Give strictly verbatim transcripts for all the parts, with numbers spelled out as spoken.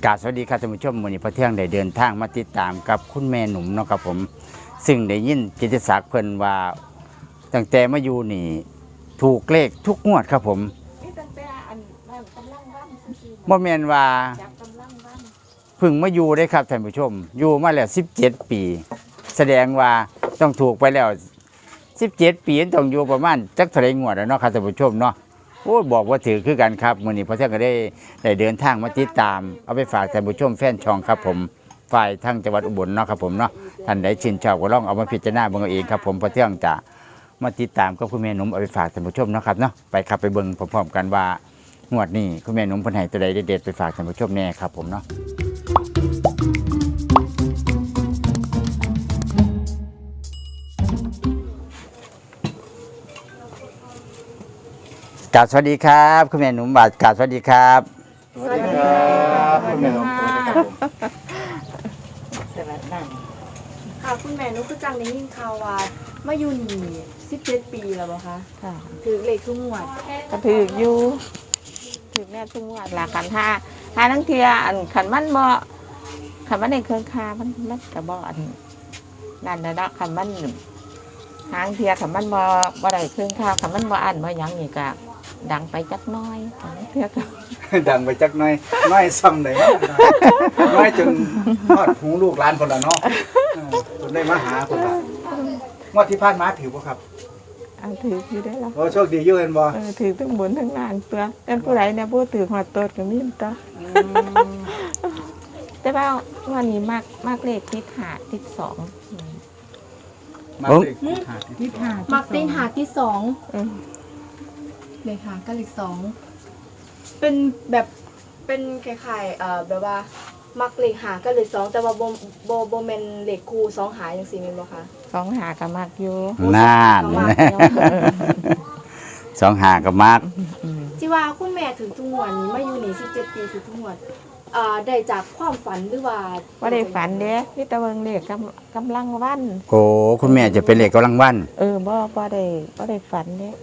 กราบสวัสดีครับท่านผู้ชมวันนี้พระเที่ยงได้เดินทางมาติดตามกับคุณแม่หนุ่มเนาะครับผมซึ่งได้ยินกิตติศักดิ์เพิ่นว่าตั้งแต่มาอยู่นี่ถูกเลขทุกงวดครับผมนี่ตั้งแต่อันนั้นกำลังวันซื่อๆบ่แม่นว่าจับกำลังวันเพิ่งมาอยู่ได้ครับท่านผู้ชมอยู่มาแล้วสิบเจ็ดปี แสดงว่าต้องถูกไปแล้วสิบเจ็ดปีต้องอยู่ประมาณจักเท่าไหร่งวดแล้วเนาะครับท่านผู้ชมเนาะโอ้บอกว่าถือคือกันครับมื้อนี้พระเที่ยงก็ได้ได้เดินทางมาติดตามเอาไปฝากท่านผู้ชมแฟนช่องครับผมฝ่ายทางจังหวัดอุบลเนาะครับผมเนาะท่านใดชื่นชอบก็ลองเอามาพิจารณาเบิ่งเอาเองครับผมพระเที่ยงจะมาติดตามกับคุณแม่หนุ่มเอาไปฝากท่านผู้ชมเนาะครับเนาะไปครับไปเบิ่งพร้อมๆกันว่างวดนี้คุณแม่หนุ่มเพิ่นให้ตัวใดเด็ดๆไปฝากท่านผู้ชมแน่ครับผมเนาะกราบสวัสดีครับคุณแม่หนุ่มบาทกราบสวัสดีครับสวัสดีครับคุณแม่ครับแต่ละนั่นค่ะคุณแม่นุก็จังได้ยินข่าวว่ามาอยู่นี่สิบเจ็ดปีแล้วบ่คะค่ะถือเลขทุกงวดก็ถืออยู่ถือแม่ทุกงวดละกันถ้าถ้าทั้งเทียอันขันมันบ่ขันมันในเครื่องคามันมันกระบอกอันนั่นนะเนาะขันมันหางเทียขันมันบ่บ่ได้เครื่องคาขันมันบ่อันบ่หยังนี่ก็ดังไปจักน้อยขันเทียก็ดังไปจักหน่อยน้อยซ้ำไหนน้อยจนทอดหูลูกหลานคนละเนาะจนได้มาหาคนละงวดที่ผ่านมาถือบ่ครับเอาถืออยู่ได้แล้วโอ้โชคดีอยู่เห็นบ่เออถือทั้งบนทั้งล่างตัวเป็นผู้ใดเนี่ยผู้ถือหัวโตดก็มีตัวแต่ว่าวันนี้มากมากเลขทิศหาทิศสองมาเลยหาที่มักติงหาที่สองอืมเลขหากับเลขสองเป็นแบบเป็นคล้ายๆเอ่อแบบว่ามักเลขหากับเลขสองแต่ว่าบ่บ่บ่แม่นเลขคู่สองหาจังซี่แม่นบ่คะสองหาก็มากอยู่น่านสองหากับมาร์กที่ว่าคุณแม่ถึงทุกงวดนี้มาอยู่นี่สิบเจ็ดปีถึงทุกงวดอ่าได้จากความฝันหรือว่าว่าได้ฝันเด้พี่ตะเวิงเลขกำกำลังวันโอ้คุณแม่จะเป็นเลขกำลังวันเออบ่บ่ได้บ่ได้ฝันเด้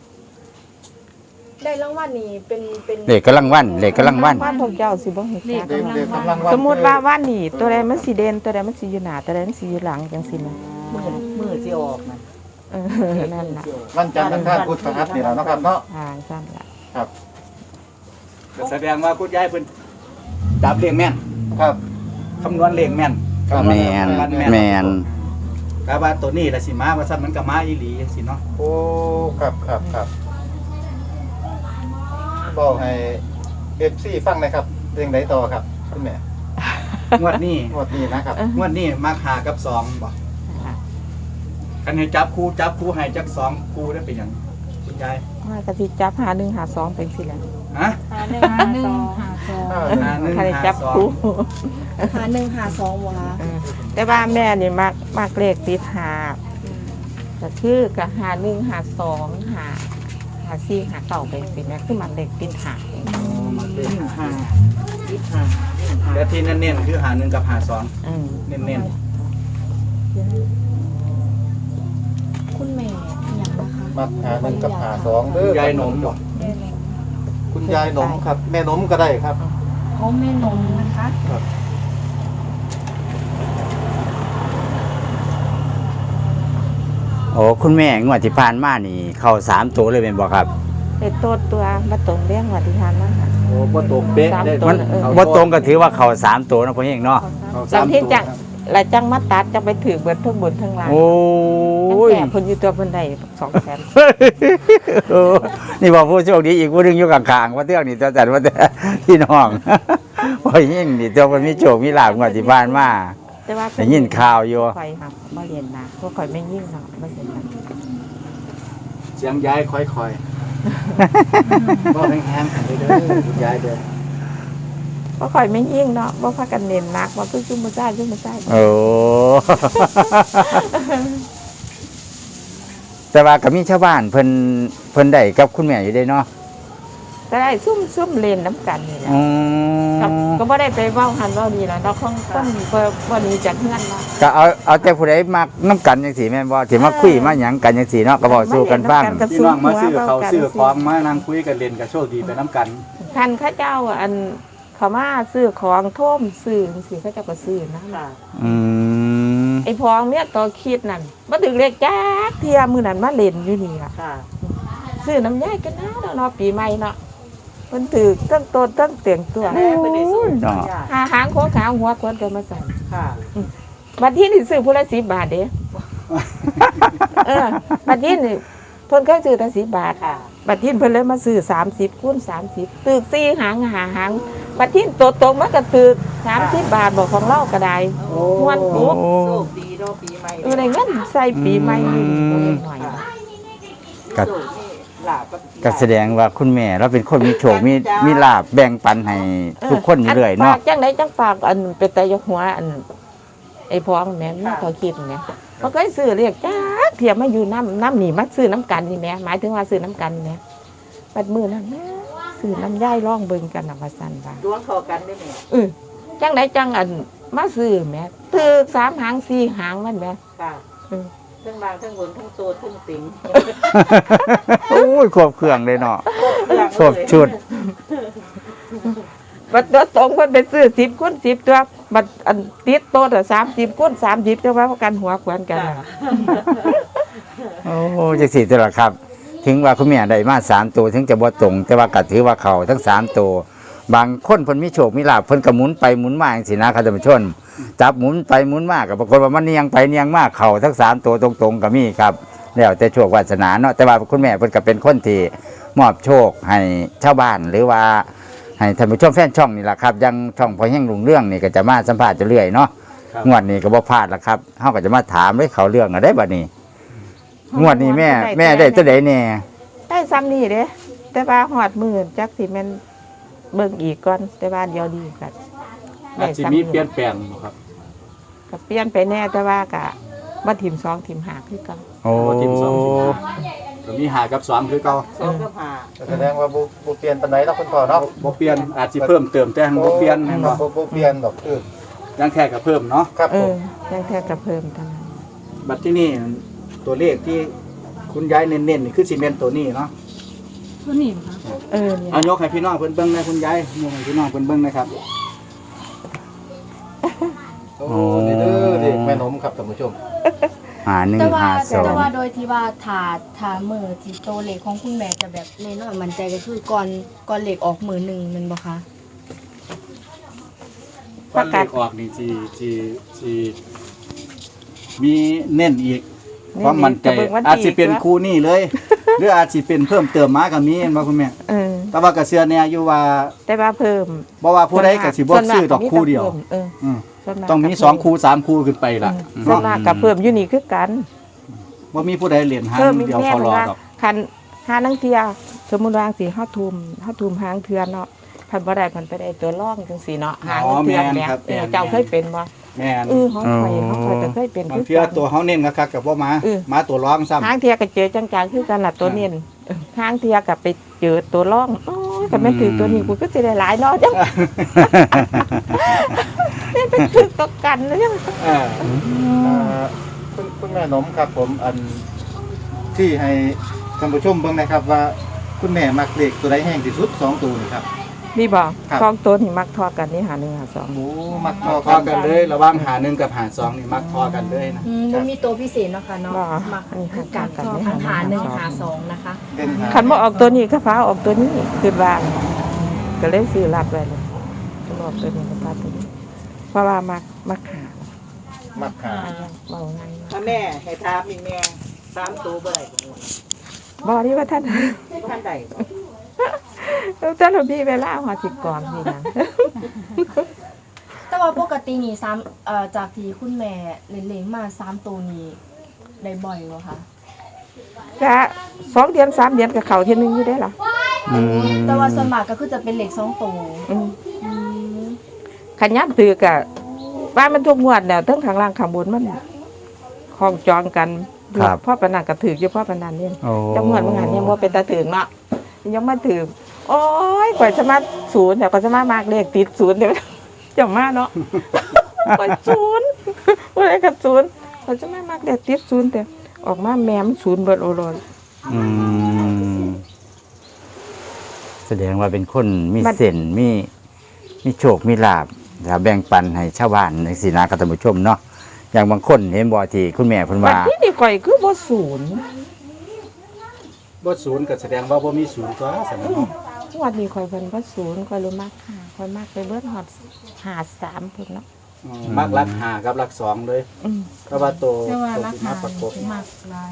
ได้รางวัลนี้เป็นเป็นเลขกำลังวันเลขกำลังวันวันพวกเจ้าสิบ่เห็นจักเด็กเด็กกำลังสมมุติว่าวันนี้ตัวใดมันสิเด่นตัวใดมันสิอยู่หน้าตัวใดมันสิอยู่หลังจังซี่นะมือมือสิออกนะเออนั่นล่ะวันจันทร์อังคารพุธพฤหัสนี่ล่ะเนาะครับเนาะอ่าซั่นล่ะครับแสดงว่าคุณยายเพิ่นจับเลขแม่นครับคำนวณเลขแม่นแมนแมนกะว่าตัวนี้ล่ะสิมาว่าซั่นมันก็มาอีหลีจังซี่เนาะโอ้ครับครับครับบอกให้ เอฟ ซี ฟังหน่อยครับเรื่องใดต่อครับคุณแม่งวดนี้งวดนี้นะครับงวดนี้มาหากับสองบ่อ่าคันให้จับคู่จับคู่ให้จักสองคู่ได้เป็นหยังคุณยายว่าก็สิจับหาหนึ่งหาสองเป็นสิแหละฮะหาหนึ่งหาสองหาสองหาหนึ่งใครหาจับสองคู่หาหนึ่งหาสองบ่คะเออแต่ว่าแม่นี่มักมักเลขติดหาก็คือก็หาหนึ่งหาสองหาหาสี่หาเก้าเป็นสิแม่คือมันเลขติดหาหาทิศหาแล้วที่เน้นๆคือหาหนึ่งกับหาสองอืมเน้นคุณแม่อหย่างนะคะมักหาหนึ่งกับหาสองเด้อๆยายหนมบ่คุณยายหนมครับ แม่หนมก็ได้ครับเขาแม่นมนะคะโอ้คุณแม่งวดที่ผ่านมานี่เข้าสามตัวเลยเป็นบ่ครับเป็นตัวตัวมาตรงเรื่องวัติทานมากค่ะโอ้บ่ตกเป๊ะได้มันเออบ่ตรงก็ถือว่าเข้าสามตัวนะพ่อเองเนาะบางที่จังแล้วจังมาตัดจังไปถือเบิดทั้งบนทั้งล่างโอ้ตั้งยแต่เพิ่นอยู่ตัวเพิ่นได้สองแสนเออนี่บอกผู้โชคดีอีกผู้หนึงอยู่ข้างๆว่าเทื่องนี่ตัวจัดว่าแต่พี่น้องพ่อเองนี่ตัวมันมีโชคมีลาภงวดที่ผ่านมาแต่ว่าได้ยินข่าวอยู่ข่อยหักบ่เรียนนะพวกข่อยไม่ยิ่งหรอกบ่เรียนนะเสียงยายค่อยๆบ่แห้งๆกันเด้อคุณยายเด้อบ่ข่อยไม่ยิ่งเนาะบ่พากันเน้นหนักว่าเพิ่นซุ่มบ่ได้ซุ่มบ่ได้โอ้ แต่ว่าก็มีชาวบ้านเพิ่นเพิ่นได้กับคุณแม่อยู่ได้เนาะก็ได้ซุ่มซุ่มเล่นน้ำกันนี่แหละอืมครับก็บ่ได้ไปเว้าหันเว้านี่ล่ะเนาะของคนบ่บ่หนีจากเฮือนเนาะก็เอาเอาแต่ผู้ใดมักน้ำกันจังซี่แม่นบ่สิมาคุยมาหยังกันจังซี่เนาะก็บอกสู้กันฟังมาเล่นน้ำกันพี่น้องมาซื้อเขาวซื้อของมานั่งคุยกันเล่นก็โชคดีไปน้ำกันคันเขาเจ้าอันเขามาซื้อของโท่มซื้อสิเขาเจะก็ซื้อนะค่ะอืมไอ้พองเนี่ยต่อคิดนั่นมาถึงเลขจ้าเทียมือนั่นมาเล่นอยู่นี่ล่ะค่ะซื้อน้ำย่ายกันนะเนาะปีใหม่เนาะเพิ่นถือตั้งต้นตั้งเตียงตัวแม่ไปได้สูตรเนาะยากหาหางโค้งขาวหัวคนกันมาใส่ค่ะบัดที่นี่ซื้อผู้ละสิบบาทเด้เออบัดที่นี่เพิ่นเคยซื้อแต่สิบบาทค่ะบัดที่เพิ่นเลยมาซื้อสามสิบคูณสามสิบตึกสี่หางหาหางบัดที่ตัวตรงมันก็ตึกสามสิบบาทบอกของเราก็ได้ม้วนปุ๊บโชคดีเนาะปีใหม่เออได้เงินใส่ปีใหม่อยู่ตัวหน่อยค่ะก็โชคนี่ลาบก็แสดงว่าคุณแม่เราเป็นคนมีโชคมีมีลาบแบ่งปันให้ทุกคนอยู่เรื่อยปาเนาะกจังไดจังปากอันเป็นแต่ยกหัวอันไอ้พองแม่นมันเขาคิดแม่มันก็ซื้อเรียกจ้าเทียมมาอยู่น้ำน้ำหนีมาซื้อน้ำกันนี่แม่หมายถึงว่าซื้อน้ำกันแม่ปัดมือนั่นแม่ซื้อน้ำย่ายร่องเบิ่งกันน่ะว่าซั่นว่าดวงเข้ากันได้ไหมเออจังไดจังอันมาซื้อแม่ตึกสามหางสี่หางมันแม่ค่ะเออทั้งบางทั้งบนทั้งโตทั้งติ่งโอ้ยครบเครื่องเลยเนาะครบชุดบัดตัวตรงเพิ่นไปซื้อสิบคูณสิบตัวบัดอันติดโต๊ะอ่ะสามสิบคูณสามสิบจังว่ากันหัวขวานกันน่ะโอ้จังสี่ตัวละครับ ถึงว่าคุณแม่ได้มาสามตัวถึงจะบ่ตรง แต่ว่าก็ถือว่าเขาทั้งสามตัวบางคนเพิ่นมีโชคมีลาภเพิ่นก็หมุนไปหมุนมาจังซี่นะครับท่านผู้ชมจับหมุนไปหมุนมาก็ปรากฏว่ามันเนียงไปเนียงมาเขาทั้งสามตัวตรงๆก็มีครับแล้วแต่โชควาสนาเนาะแต่ว่าคุณแม่เพิ่นก็เป็นคนที่มอบโชคให้ชาวบ้านหรือว่าให้ท่านผู้ชมแฟนช่องนี่แหละครับยังช่องพอแห้งลุงเรื่องนี่ก็จะมาสัมภาษณ์จะเรื่อยเนาะครับงวดนี้ก็บ่พลาดละครับเฮาก็จะมาถามเลยเขาเรื่องอะได้บัดนี้งวดนี้แม่แม่ได้ตัวใดแน่ได้ซ้ำนี่เด้แต่ว่าหอดมือจักสิแม่นเบิ่งอีกก่อนแต่ว่าเดียวดีกันอาจจะมีเปลี่ยนแปลงบ่ครับก็เปลี่ยนไปแน่แต่ว่าก็บ่ถิ่มสองถิ่มหาคือเก่าโอ้บ่ทิมสองทิมห้า ก็มีหากับสองคือเก่าสองกับห้าแสดงว่าบ่บ่เปลี่ยนปานใดเนาะคุณพ่อเนาะบ่เปลี่ยนอาจสิเพิ่มเติมแต่หั้นบ่เปลี่ยนแม่นบ่บ่บ่เปลี่ยนดอกคือยังแค่ก็เพิ่มเนาะครับเอผอมยังแท้ก็เพิ่มเท่านั้นบัดที่นี่ตัวเลขที่คุณยายเน้นๆนี่คือสิเน้นตัวนี้เนาะเออนี่เอายกให้พี่น้องเพิ่นเบิ่งนะคุณยายยกให้พี่น้องเพิ่นเบิ่งนะครับโอ้นี่เด้อเด็กแม่นมครับท่านผู้ชมหาหนึ่งแต่ว่าหาสองแต่ว่าโดยที่ว่าถาดถามือที่โตเหล็กของคุณแม่จะแบบแน่นอนมั่นใจก็คือก่อนก่อนเหล็กออกมือหนึ่งแมันบ่คะก่อนเลขออกนี่สิสิสิมีเน้นอีกความมั่นใจก็เบิ่งวันที่อาจสิเป็นคู่นี้เลย หรืออาจสิเป็นเพิ่มเติมมาก็มีเห็นบ่คุณแม่เออแต่ว่าก็เชื่อแน่อยู่ว่าแต่ว่าเพิ่มบ่ว่าผู้ใดก็สิบ่ซื้อดอกคู่เดียวเอออืมส่วนากต้องมีก็สองคู่สามคู่ขึ้นไปล่ะอืมส่วนมากก็เพิ่มอยู่นี่คือกันบ่มีผู้ใดเหรียญหางเพิ่มอีกเดียวแน่เขารอว่าดอกคันหานังเทียสมมุติว่าสิเฮาทุมเฮาทุมหางเทือนเนาะพันบ่ได้พันไปได้ตัวร่องจังซี่เนาะหางอ๋อเทือนแม่นแหม่ครับเออแม่นเจ้าเคยเป็นบ่แม่นเออเฮาไปเฮาไปก็เคยเป็นบางคือเทื่อกันตัวเฮาเน้นคักๆกับบ่มาเออมาตัวร้องซ้ำหางเทียก็เจอจังๆคือกันล่ะตัวเนียนเออหางเทียก็ไปเจอตัวร่องโอ้ยก็แม่นถือตัวนี้กูก็สิได้หลายเนาะจังนี่เป็นถึกตัวกันนะจังเอออ่าคุณคุณแม่นมครับผมอันที่ให้ท่านผู้ชมเบิ่งนะครับว่าคุณแม่มักเลขตัวใดแห้งที่สุดสองตัวนี่ครับมีบ่ครับสองตัวนี่มักทอกันนี่หาหนึ่งหาสองโอ้มักพพออกันกันเลยระหว่างหาหนึ่งกับหาสองนี่มักพอกันเลยนะอืมบ่มีตัวพิเศษเนาะค่ะเนาะบ่มักอันนี้คือหาการกันทอนี่ทั้งหาหนึ่งหาหาสสออง งนะคะเป็นหาคันบ่ออกตัวนี้ก็ฟ้าออกตัวนี้คือว่าก็เลยซื้อรับไว้เลยก็ออกตัวนี้ก็ฟ้าตัวนี้ เพราะว่ามักมักหามักหาเบาไงถ้าแม่ให้ถามอีกแม่สามตัวบ่ได้บ่บ่ที่ว่าท่านท่านใดบ่ท่านมีเวลาหัวสิก่อนนี่นะแต่ว่าปกตินี่ซ้ำเอ่อจากที่คุณแม่เล่นๆมาสามตัวนี้ได้บ่อยบ่คะก็สองเดือนสามเดือนกับเขาเที่ยนึงอยู่ได้หรออืมแต่ว่าส่วนมากก็คือจะเป็นเหล็กสองตัวอืมอืมขันยับตือกะว่ามันทุกงวดแล้วทั้งข้างล่างข้างบนมันคล้องจองกันพ่อปนันก็ถืออยู่พ่อปนันเนี่ยโอ้จังหวัดบางงานยังว่าเป็นตาถึงเนาะยังมาถือโอ้ยกว่าจะมาศูนย์แต่กว่าจะมามากเลขติดศูนย์เดี๋ยวจะมาเนาะกว่าศูนย์ว่าอะไรกับศูนย์กว่าจะมามากเลขติดศูนย์แต่ออกมาแมมศูนย์เบิดโอโรนอืมแสดงว่าเป็นคนมีเส้นมีมีมีโชคมีลาภแล้วแบ่งปันให้ชาวบ้านในสินะครับท่านผู้ชมเนาะอย่างบางคนเห็นบ่ที่คุณแม่เพิ่นบัว่าดนี้นี่ข่อยคือบ่ศูนย์บ่ศูนย์ก็แสดงว่าบ่มีศูนย์ตัวสำนักเนาะงวดนี้ข่อยเพิ่นบ่ศูนย์ข่อยรู้มากค่ะข่อยมากไปเบิดฮอดห้าสามพุ่นเนาะอืมมักรักหากับรักสองเลยอืมเพราะว่าตัวแต่ว่าตัวราที่คามาประกบมากหลาย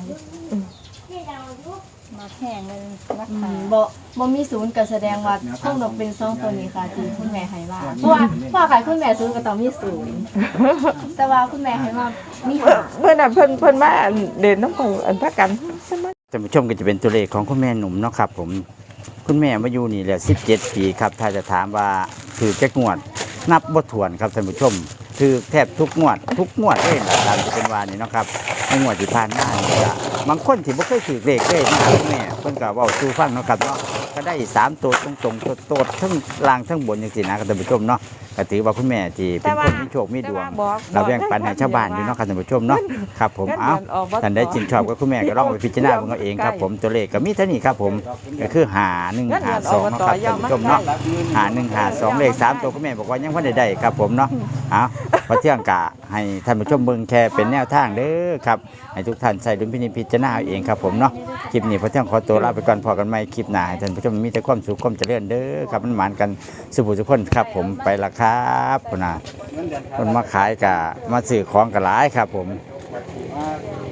มาแพงเลยราอืคามบ่บ่มีศูนย์ก็แสดงว่าคงต้องเป็นสองตัวนี้ค่ะที่คุณแม่ให้ว่าเพราะว่าเพราะว่าค่ะคุณแม่ศูนย์ก็ต้องมีศูนย์แต่ว่าคุณแม่ให้ว่ามีหาเพิ่นน่ะเพิ่นเพิ่นมาอันเด่นน้ำข่อยอันพักกันสมัยท่านผู้ชมก็จะเป็นตัวเลขของคุณแม่หนุ่มเนาะครับผมคุณแม่มาอยู่นี่แหละสิบเจ็ดปีครับถ้าจะถามว่าถือแจ็คงวด นับบ่ถ้วนครับท่านผู้ชมถือแทบทุกงวด ทุกงวดเลยตามที่เป็นวานี่เนาะครับในงวดที่ผ่านมานี่ก็บางคนที่บ่เคยถือเลขเลยมาหาคุณแม่เพิ่นก็เว้าสู่ฟังเนาะครับเนาะก็ได้สามตัวตรงๆโตดๆทั้งล่างทั้งบนจังซี่นะครับท่านผู้ชมเนาะก็ถือว่าคุณแม่ที่เป็นคนมีโชคมีดวง เราแบ่งปันให้ชาวบ้านอยู่เนาะครับท่านผู้ชมเนาะครับผมเอาท่านได้จินชอบก็คุณแม่ก็ลองไปพิจารณาเบิ่งเอาเองครับผมตัวเลขก็มีเท่านี้ครับผมก็คือหาหนึ่งหาสองเนาะครับท่านผู้ชมเนาะหาหนึ่งหาสองเลขสามตัวคุณแม่บอกว่ายังพันได้ได้ครับผมเนาะเอาพอเที่ยงกะให้ท่านผู้ชมเบิ่งแค่เป็นแนวทางเด้อครับให้ทุกท่านใส่ดุลพินิจพิจารณาเอาเองครับผมเนาะคลิปนี้พอเที่ยงขอตัวลาไปก่อนพอกันใหม่คลิปหน้าให้ท่านผู้ชมมีแต่ความสุขความเจริญเด้อครับมันหมานกันสุขทุกคนครับผมไปละครับพุ่นน่ะ คนมาขายกะมาซื้อของกะหลายครับผมมา